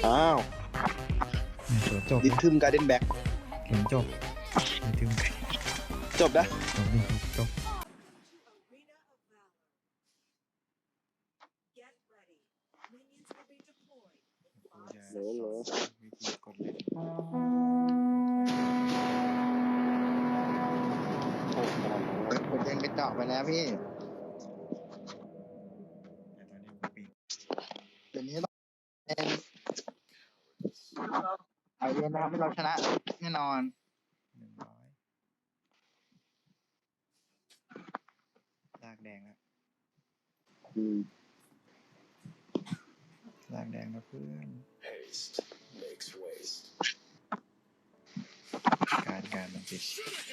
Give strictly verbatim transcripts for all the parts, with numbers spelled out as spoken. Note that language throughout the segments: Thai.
อ้าวเดี๋ยวจบดิทึมการ์เด้นแบ็กเห็นจบดิทึมจบนะจบดิจบโหลโหลวิธีกดเล่นผมเองไปเจาะไปแล้วพี่แต่ตอนนี้กูปิดเดี๋ยวนี้ต้องเองเอาเย็นนะครับให้เราชนะแน่นอนหนึ่งร้อยลากแดงแล้วอืมลากแดงแล้วเพื่อนการการมันปิด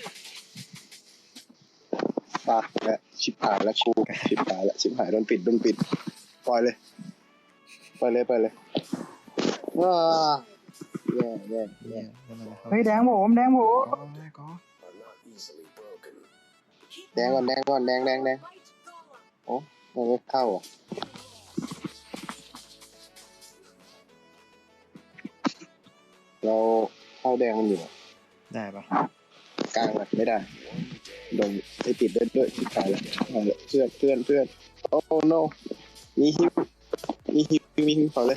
ปากและชิบหายแล้วกูชิบหายแล้วชิบหายโดนปิดโดนปิดปล่อยเลยปล่อยเลยปล่อยเลยว้าแย่แย่แย่เฮ้ยแดงผมแดงผมก็ได้ก็แดงก่อนแดงก่อนแดงแดงแดงโอ้มันไม่เข้าอ่ะเราเข้าแดงมันอยู่ได้ปะกลางอ่ะไม่ได้โดนไปติดด้วยด้วยชิบหายแล้วเพื่อนเพื่อนเพื่อนโอ้โนมีฮิวมีฮิวมีฮิวขอเลย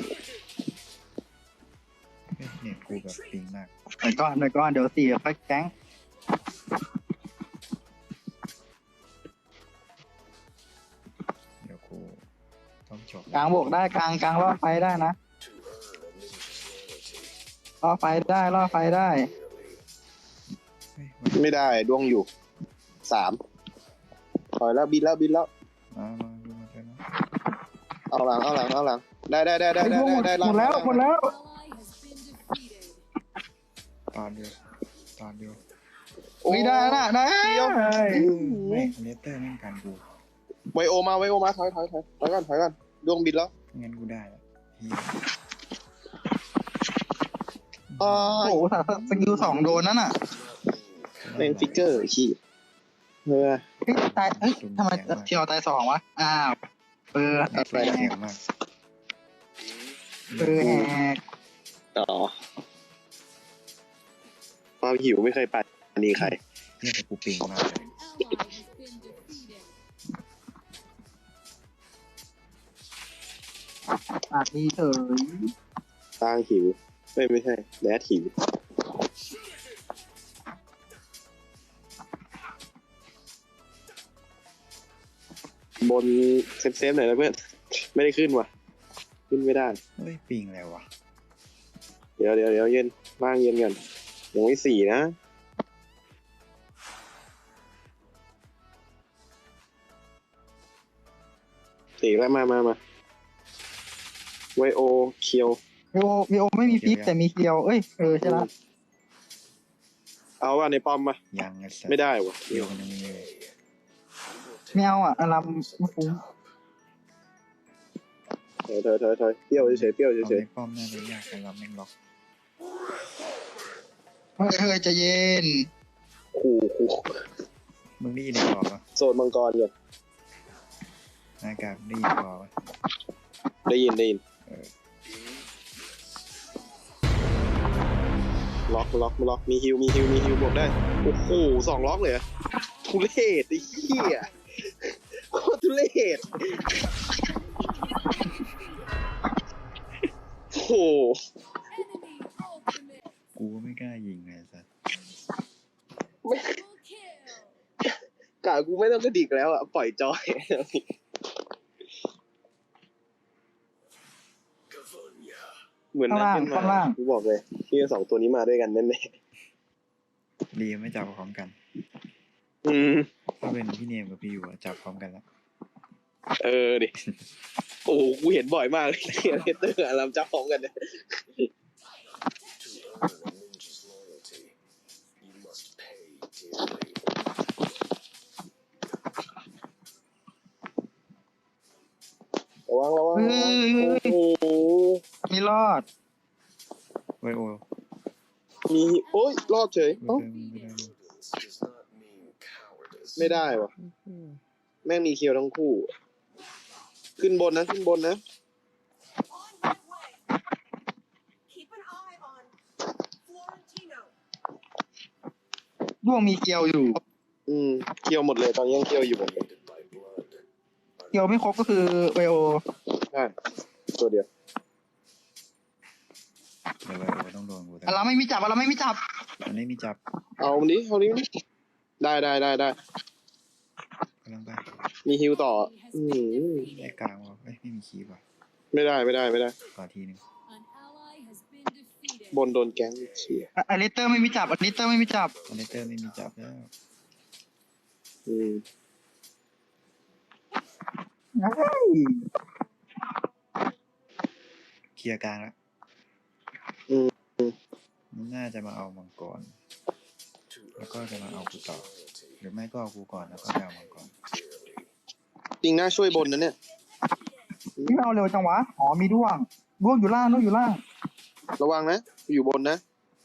เนี่ยกูแบบปิงมากหน่อยก่อนหน่อยก่อนเดี๋ยวสี่ค่อยแก๊งเดี๋ยวกูต้องจบกลางบวกได้กลางกลางล่อไฟได้นะล่อไฟได้ล่อไฟได้ไม่ได้ดวงอยู่สามถอยแล้วบินแล้วบินแล้วมามาดูมาเลยนะเอาหลังเอาหลังเอาหลังได้ได้ได้ได้ได้ได้หมดแล้วหมดแล้วตอนเดียวตอนเดียวไม่ได้นะได้ไม่เลเตอร์แม่งกันกูไวโอมาไวโอมาถอยถอยถอยถอยก่อนถอยก่อนดวงบินแล้วงั้นกูได้แล้วโอ้โหสกิลสองโดนนั่นน่ะเป็นฟิกเกอร์ขี้เฮ้ยตายเอ้ยทำไมเที่ยวตายสองวะอ้าวเปิดแปลกเสียงมากเปิดแหกต่อความหิวไม่เคยปัดอันนี้ใครเนี่ยแต่กูปิงมากเลยปากดีเฉยตางหิวไม่ไม่ใช่แดดหิวบนเซฟเซฟหน่อยนะเพื่อนไม่ได้ขึ้นว่ะขึ้นไม่ได้เฮ้ยปิงแล้ววะเดี๋ยวเดี๋ยวเดี๋ยวเย็นว่างเย็นกันยังไม่สี่นะสี่แล้วมามามาไวโอเคียววิโอวิโอไม่มีฟิปแต่มีเคียวเอ้ยเออใช่ละเอาอ่ะในปอมมายังไม่ได้วะเคียวมันยังมีเลยไม่เอาอ่ะอารมไม่ฟุ้งเถอยเถอยเถอยเถอยเปรี้ยวเฉยเปรี้ยวเฉยป้อมน่าจะยากแต่เราแม่งล็อกเฮ้ยเฮ้ยจะเย็นขู่ขู่มึงได้ยินในคอปะโซนมังกรเนี่ยหน้ากากได้ยินคอปะได้ยินได้ยินล็อกล็อกล็อกมีฮิวมีฮิวมีฮิวบวกได้โอ้โหสองล็อกเลยทุเรศไอ้เหี้ยโคตรทุเรศโอ้โหกูไม่กล้ายิงเลยสัสไม่กะกูไม่ต้องกระดิกแล้วอ่ะปล่อยจอยเหมือนนั่นเป็นมากูบอกเลยที่สองตัวนี้มาด้วยกันแน่ๆดีไม่จับพร้อมกันอืมถ้าเป็นพี่เนมกับพี่อยู่จับพร้อมกันแล้วเออดิโอ้โหกูเห็นบ่อยมากเลยเนเตอร์อารามจับพร้อมกันเนี่ยระวังระวังโอ้โหไม่รอดไวโอมีโอ้ยรอดเฉยไม่ได้วะแม่งมีเคียวทั้งคู่ขึ้นบนนะขึ้นบนนะด้วงมีเกียวอยู่อืมเคี่ยวหมดเลยตอนนี้ยังเคี่ยวอยู่หมดเลยเกียวไม่ครบก็คือไวโอใช่ตัวเดียวเดี๋ยวไวโอต้องโดนกูแต่อะเราไม่มีจับอะเราไม่มีจับมันไม่มีจับเอามันดิเอาดิได้ได้ได้ได้กำลังไปมีฮิวต่อ อืมไอ้กลางวะเอ้ยไม่มีคีบว่ะไม่ได้ไม่ได้ไม่ได้ก่อทีนึงบนโดนแก๊งเขี่ยอะอลิเตอร์ไม่มีจับอลิเตอร์ไม่มีจับคอนเนคเตอร์ไม่มีจับแล้วอืมเคลียร์กลางแล้วอืมมันน่าจะมาเอามังกรแล้วก็จะมาเอากูต่อหรือไม่ก็เอากูก่อนแล้วก็ไปเอามังกรจริงน่าช่วยบนนะเนี่ยพี่ไม่เอาเร็วจังวะอ๋อมีด้วงด้วงอยู่ล่างด้วงอยู่ล่างระวังนะอยู่บนนะ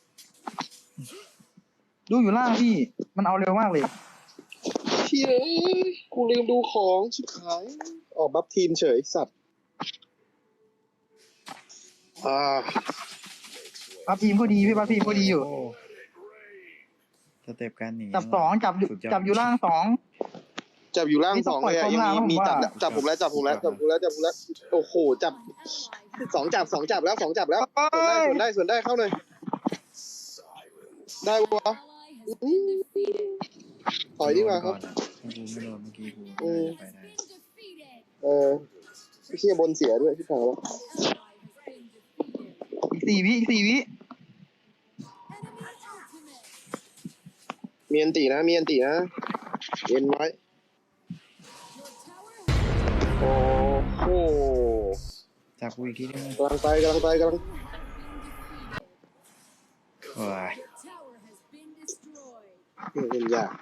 ด้วงอยู่ล่างพี่ มันเอาเร็วมากเลยเชี่ยกูลืมดูของชิบหายออกบัฟทีมเฉยสัตว์อ่าปั๊บทีมก็ดีพี่ปั๊บทีมก็ดีอยู่โสเต็ปการหนีจับสองจับอยู่สุดดจับอยู่ล่างสองจับอยู่ล่างนี่สต้อองงเลยอะปล่อยยังความมีล่างมีผมจับว่าแล้วจับผมแล้วจับผมแล้วจับผมแล้วจับผมแล้วโอ้โหจับสองจับสองจับแล้วสองจับแล้วส่วนได้ส่วนได้ส่วนได้เข้าหน่อยได้ปะวะอื้อถอยดีกว่าครับโนก่อนอะถ้ากูไม่โดนเมื่อกี้กูอืมน่าจะไปได้เออพี่เชี่ยบนเสียด้วยที่ถามว่าอีกสี่วิอีกสี่วิมีอันตีนะมีอันตีนะเย็นไว้โอ้โหจับกูอีกทีนึงกำลังไปกำลังไปกำลังโอ้ยเล่นยาก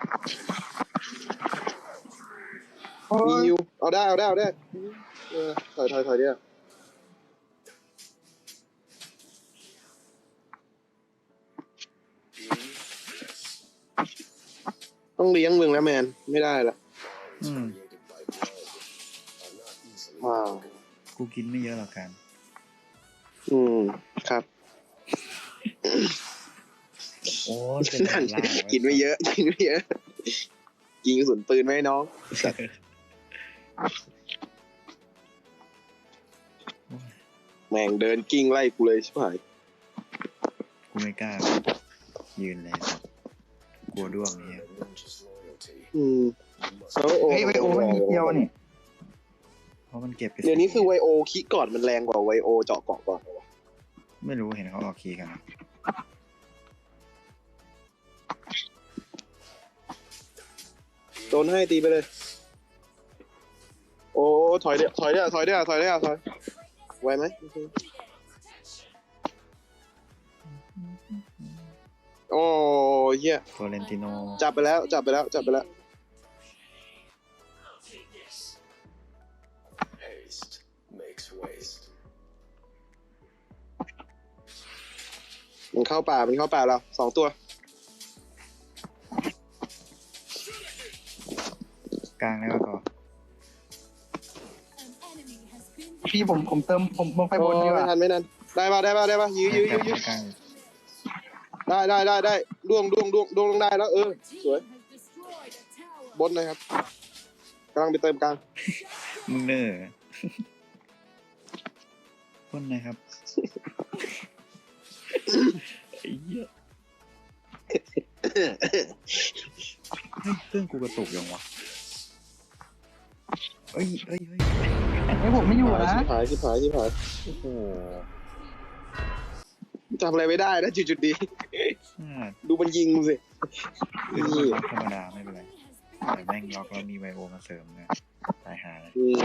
โอ้มียฮิวเอาได้เอาได้เอาได้เออถอยถอยถอยเดียวต้องเลี้ยงมึงแล้วแมนไม่ได้ละอืมว้าวกูกินไม่เยอะหรอกกันอืมครับโอ้ยเป็นด่านล่างว้กินไม่เยอะกินไม่เยอะยิงกระสุนปืนไหมน้องแม่งเดินกิ้งไล่กูเลยชิบหายกูไม่กล้ายืนเลยครับกลัวด้วงเนี่ยอืมแล้วโอ้เฮ้ยไวโอไม่มีเกียวนี่เพราะมันเก็บไปเดี๋ยวนี้คือไวโอคิกก่อนมันแรงกว่าไวโอเจาะเกาะก่อนไม่รู้เห็นเขาออกคีย์กันนะโดนให้ตีไปเลย โอ้ถอยเดียวถอยเดียวถอยเดียวถอยเดียวถอยไวไหมโอ้เหี้ยฟลอเรนติโนจับไปแล้วจับไปแล้วจับไปแล้วมันเข้าป่ามันเข้าป่าเราสองตัวกลางแล้วก็พี่ผมผมเติมผมผมไปบนดีกไม่ว่าทันไม่ทันได้ป่ะได้ป่ะได้ป่ะยื้อยื้อยื้อยื้อกลางได้ได้ได้ได้ดวงดวงดวงดวงลงได้แล้วเออสวยบนนะครับกำลังไปเติมกลางมึงเนอร์พ่นนะครับไอ้เหี้ยเฮ้ยเครื่องกูกระตุกยังวะเอ้ยเอ้ยเอ้ยไอ้ยผมไม่อยู่นะชิบหายชิบหายชิบหายโอ้โหทำอะไรไม่ได้นะจุดจุดๆดีอ่าดูมันยิงมึงสิคือนี่ล็อกธรรมดาไม่เป็นไรแต่แม่งล็อกแล้วมีไวโอมาเสริมเนี่ยตายหาเลยอืม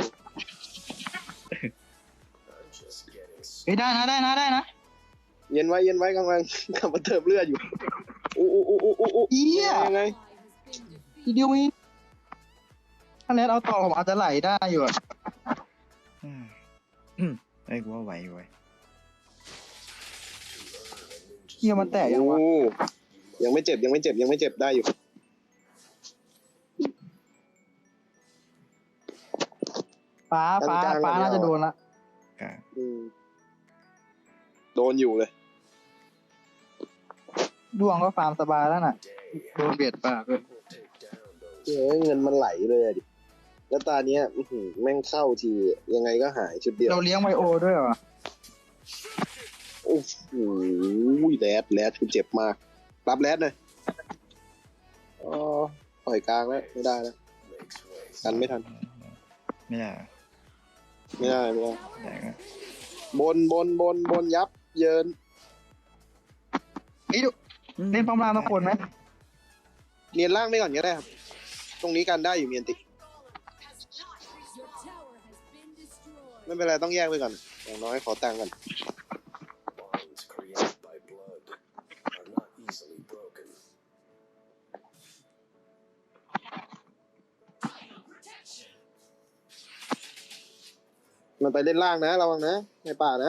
เฮ้ยได้นะได้นะได้นะเย็นไว้เย็นไว้กำลังกำลังเติมเลือดอยู่อู้อู้อู้อู้อู้เหี้ยยังไงทีเดียวมีถ้าเลสเอาต่อผมอาจจะไหลได้อยู่อะอืมอืมไอ้ยกูว่าไหวอยู่เว้ยเกียวมันแตกยังวะโอ้ยังไม่เจ็บยังไม่เจ็บยังไม่เจ็บได้อยู่ฟ้าฟ้าฟ้าน่าจะโดนละกลางอืมโดนอยู่เลยดวงก็ฟาร์มสบายแล้วน่ะโดนเบียดปากเลยเฮ้ยเงินมันไหลเลยอะดิแล้วตาเนี้ยอื้อหือแม่งเข้าทียังไงก็หายชุดเดียวเราเลี้ยงไวโอด้วยเหรอโอ้โหแรดแรดกูเจ็บมากรับแรดหน่อยอ๋อปล่อยกลางแล้วไม่ได้แล้วกันไม่ทันไม่ได้เหรอไม่ได้ไม่ได้ได้ก็บนบนบนบนยับเยินไอ้ยดูเล่นป้อมล่างทุกคนไหมเนียนล่างไม่ก่อนก็ได้ครับตรงนี้กันได้อยู่เมียนติไม่เป็นไรต้องแยกไปก่อนอย่างน้อยขอตังค์ก่อนมันไปเล่นล่างนะระวังนะในป่านะ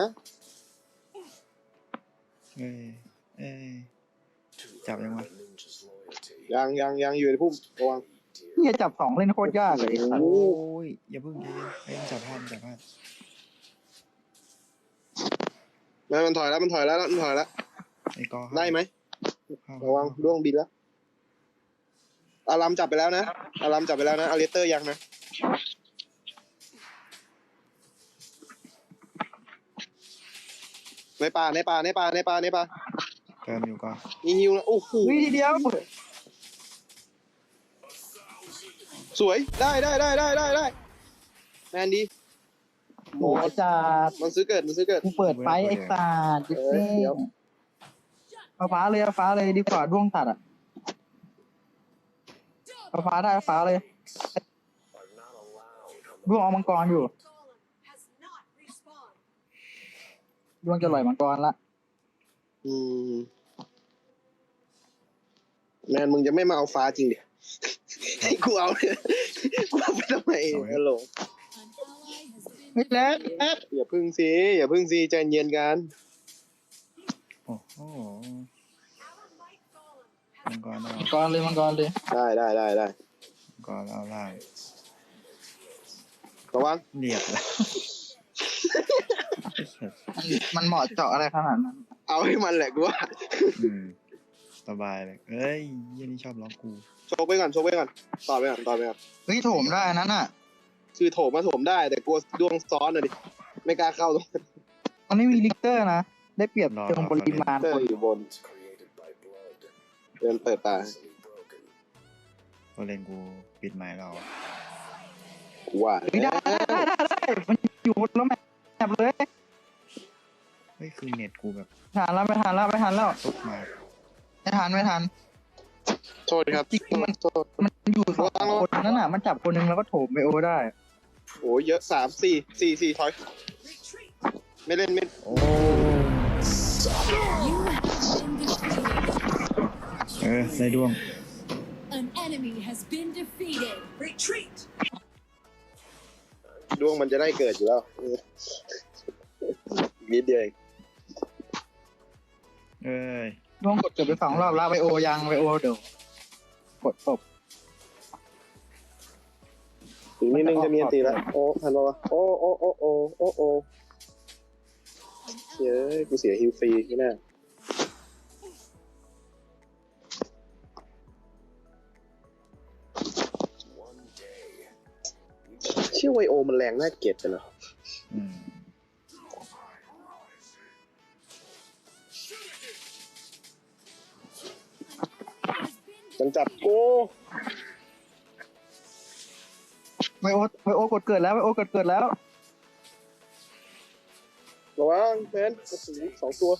เอ้ยเอ้ยจับยังวะยังยังยังอยู่ในพุ่มระวังเนี่ยจับสองเล่นโคตรยากเลยไอ้สัตว์โอ้ยอย่าเพิ่งใจเย็นเอ้ยจับพลาดจับพลาดแม่มันถอยแล้วมันถอยแล้วมันถอยแล้วไอ้กอได้ไหมเข้าระวังด้วงบินแล้วอารามจับไปแล้วนะอารามจับไปแล้วนะอเลสเตอร์ยังนะในป่าในป่าในป่าในป่าในป่าเติมอยู่ก็มีฮิวนะโอ้โหวิทีเดียวสวยได้ได้ได้ได้ได้ได้แมนดีโอ้ยจัดมันซื้อเกิดมันซื้อเกิดกูเปิดไฟไอ้สัตว์จิ๊บเอ้ยนี่เดี๋ยวเอาฟ้าเลยเอาฟ้าเลยดีกว่าด้วงตัดอ่ะเอาฟ้าได้เอาฟ้าเลยด้วงเอามังกรอยู่ด้วงจะลอยมังกรละอืมแมนมึงจะไม่มาเอาฟ้าจริงดิให้กูเอาเนี่ยกูเอาไปทำไมฮัลโหลเฮ้ยแล้วแล้วอย่าพึ่งสิอย่าพึ่งสิใจเย็นกันโอ้โหมังกรเอามังกรเลยมังกรเลยได้ได้ได้ได้มังกรเอาล่างระวังเรียบแล้วมันมันเหมาะเจาะอะไรขนาดนั้นเอาให้มันแหละกูว่าอืมสบายเลยเอ้ยยี่นี่ชอบล็อกกูโชว์ไปก่อนโชว์ไปก่อนต่อไปก่อนต่อไปก่อนเฮ้ยโถมได้นั้นอ่ะคือโถมมาโถมได้แต่กลัวดวงซ้อนอะดิไม่กล้าเข้าตรงนั้นมันไม่มีลิกเตอร์นะได้เปรียบเชิงปริมาณเตอคนร์อยู่บนเดินเปิดตาตัวเลนกูปิดไม้เรากูว่าไม่ได้ได้ได้ได้ได้มันอยู่บนแล้วแมปเลยเฮ้ยคือเน็ตกูแบบทันแล้วไม่ทันแล้วไม่ทันแล้วตุ๊กมาไม่ทันไม่ทันโทษครับจริงๆมันโทษมันอยู่สองคนนั่นน่ะมันจับคนหนึงแล้วก็โถมไปโอได้โอ้เยอะสามสี่สี่สี่ถอยไม่เล่นไม่โอ้เออได้ดวง An enemy has been defeated. Retreat. ดวงมันจะได้เกิดอยู่แล้วเออนิดเดียวเองเอ้ยร่วงกดเกือบไปสองรอบแล้วไวโอยังไวโอเดี๋ยวกดตบถึงนิดนึงจะมีอันตีแล้วโอ้ทันปะวะโอ้โอ้โอ้โอ้โอ้โอ้เย้ยกูเสียฮิวฟรีที่แน่เชื่อไวโอมันแรงน่าเกลียดกันเนอะอืมมันจับกูไวโอไวโอกดเกิดแล้วไวโอกดเกิดแล้วระวังแฟนโอ้โหสองตัว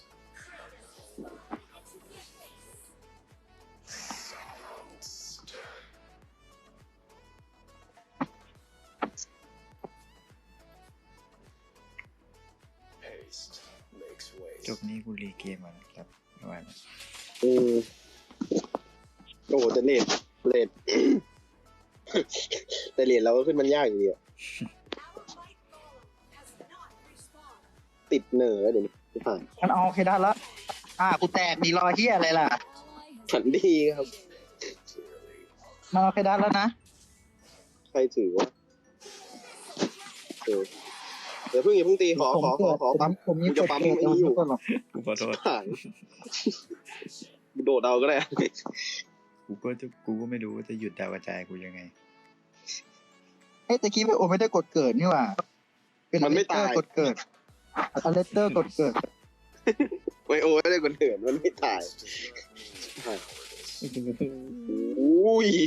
จบนี้กูรีเกมมาครับไม่ไหวแล้วอืมโอ้โหแต่เลดเลด แต่เลดเราก็ขึ้นมันยากอยู่ดีอะติดเหนือเดี๋ยวนี้ไม่ผ่านมันเอาโอเคได้แล้วอ่ากูแตกดีรอเฮียอะไรล่ะฝันดีครับมันเอาโอเคได้แล้วนะใครถือวะเออเดี๋ยวเพิ่งอย่าเพิ่งตีขอขอขอขอปั๊มผมมีกูกจะดปั๊มเกิดไอ้นี่อยู่ก่อนหรอกกูขอโทษผ่านโดดเอาก็ได้กูก็จะกูก็ไม่รู้ว่าจะหยุดดาวกระจายกูยังไงเฮ้ยตะกี้พี่โอไม่ได้กดเกิดนี่หว่า เป็นมันไม่ตายกดเกิดอเลสเตอร์กดเกิดไวโอไม่ได้คนเถื่อนมันไม่ตายอุ้ย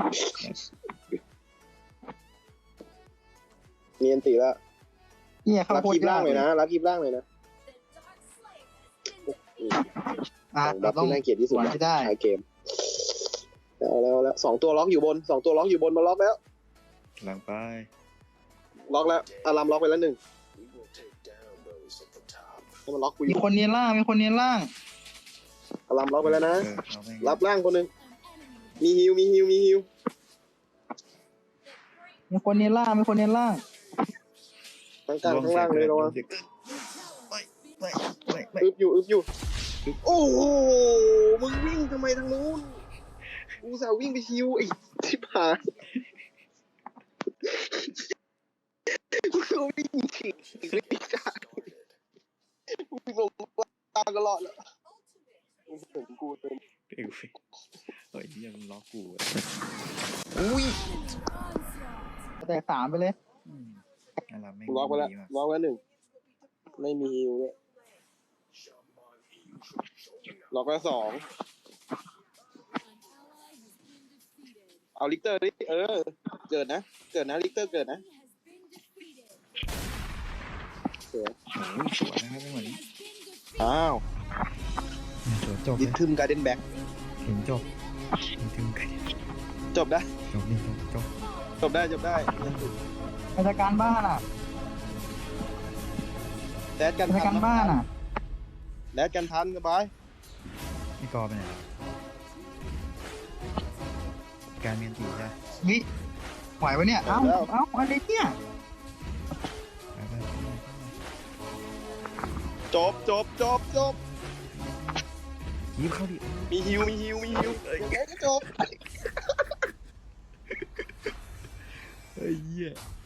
เนียนตีแล้วเนี่ยเขารับโคตคลิปรล่างเลยนะนะรับคลิปล่างเลยนะอ่ะดัเราบต้องที่น่าเกลียดที่สุดหวังให้ได้ท้ายเกมแล้วแล้วแล้วสองตัวล็อกอยู่บนสองตัวล็อกอยู่บนมาล็อกแล้วกำลังไปล็อกแล้วอารามล็อกไปแล้วหนึ่งให้มันล็อกกูอมียู่คนเนียนล่างมีคนเนียนล่างอารามล็อกไปแล้วนะเออเอาไม่รับล่างคนหนึ่งมีฮิวมีฮิวมีฮิวมีคนเนียนล่างมีคนเนียนล่างทั้งกลางทั้งล่างเลยระวังไม่ไม่ไม่ไม่อึบอยู่อึบอยู่โอ้โหมึงวิ่งทำไมทางนู้นกูสาววิ่งไปฮิวไอ้ชิบหายกูวิ่งฉีกวิ่งกลางวิ่งลงกลางก็รอดแล้วผมกูเป็นเอ้ยเฮ้ยยังล็อกกูอะอุ้ยแต่สามไปเลยอืมอะไรไม่ล็อกไปแล้วดีมากล็อกไว้หนึ่งไม่มีฮิวด้วยล็อกไว้สองเอาลิกเตอร์ดิเออเกิดนะเกิดนะลิกเตอร์เกิดนะเสือโอ้ยสวยนะครับจังหวะนี้อ้าวสวยจบดิเลยทึมการเดนแบ็กถึงจบถึงกันจบได้จบนี่จบจบจบได้จบได้ราชการบ้านอ่ะแดดกันราชทัการบ้านอ่ะแดดกันทันสบายนี่กอไปไหนวะการเมียนตีใช่วิไหวปะเนี่ย เอ้า เอ้าอะไรเนี่ยไปไปไปไปจบจบจบจบยิบเข้าดิมีฮิวมีฮิวมีฮิวยังไงก็จบเฮ้ยเหี้ย